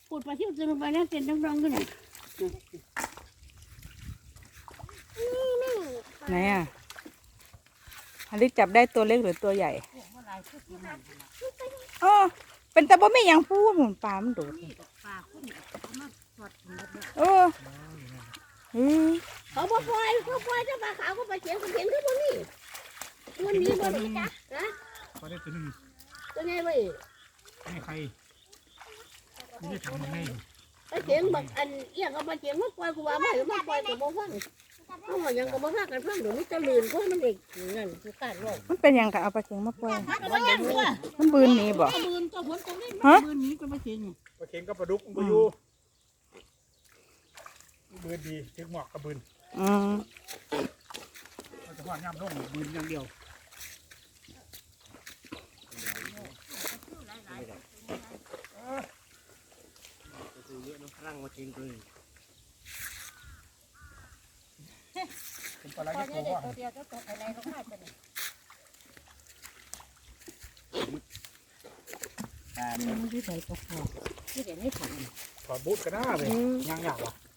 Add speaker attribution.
Speaker 1: ปูดปลาที่จะลงไปแล้วเต็นต้องๆกันเนี่ย
Speaker 2: ไหนอ่ะอลิจับได้ตัวเล็กหรือตัวใหญ่อ๋อเป็นแต่บ่ไม่ยังพูดหมุนปลามันโดดเออ
Speaker 1: เขาปล่อยถ้าปลาขาวก็ปลาเขียวก็เห็นขึ้นบนนี้วันนี้บนนี้จ้ะนะ
Speaker 3: พอได้ตัวนึง
Speaker 1: ตัวไงเว้ย
Speaker 3: ให้ใครไม่ได้ทำยังไง
Speaker 1: ปลาเขียวบักอันเอี้ยก็ปลาเขียวมาปล่อยกูว่าไม่มาปล่อยกูบ่ฟังเขาบอกยังก็บ่ฟังกันฟังเดี๋ยวนี้จะลื่นเพราะมันเด็กนั่นกูขาดโรค
Speaker 2: มันเป็นยังกับเอาปลาเข็งมาปล่อย
Speaker 1: มันยังตัว
Speaker 2: มันบืนหนี้บ่
Speaker 1: บืนตัวผลตรงนี้มันบืนนี้ก็ปลาเขียว
Speaker 3: ปลาเค็งกับปลาดุกมันอยู่บืนดีถึงหมอกกับบืน
Speaker 2: อืม
Speaker 3: เราจะว่าย่ำร่องบืนอย่างเดียวเป็นปลาไหลที่โตว่าถอดบูทกันหน้าเลยย่างยากว่ะ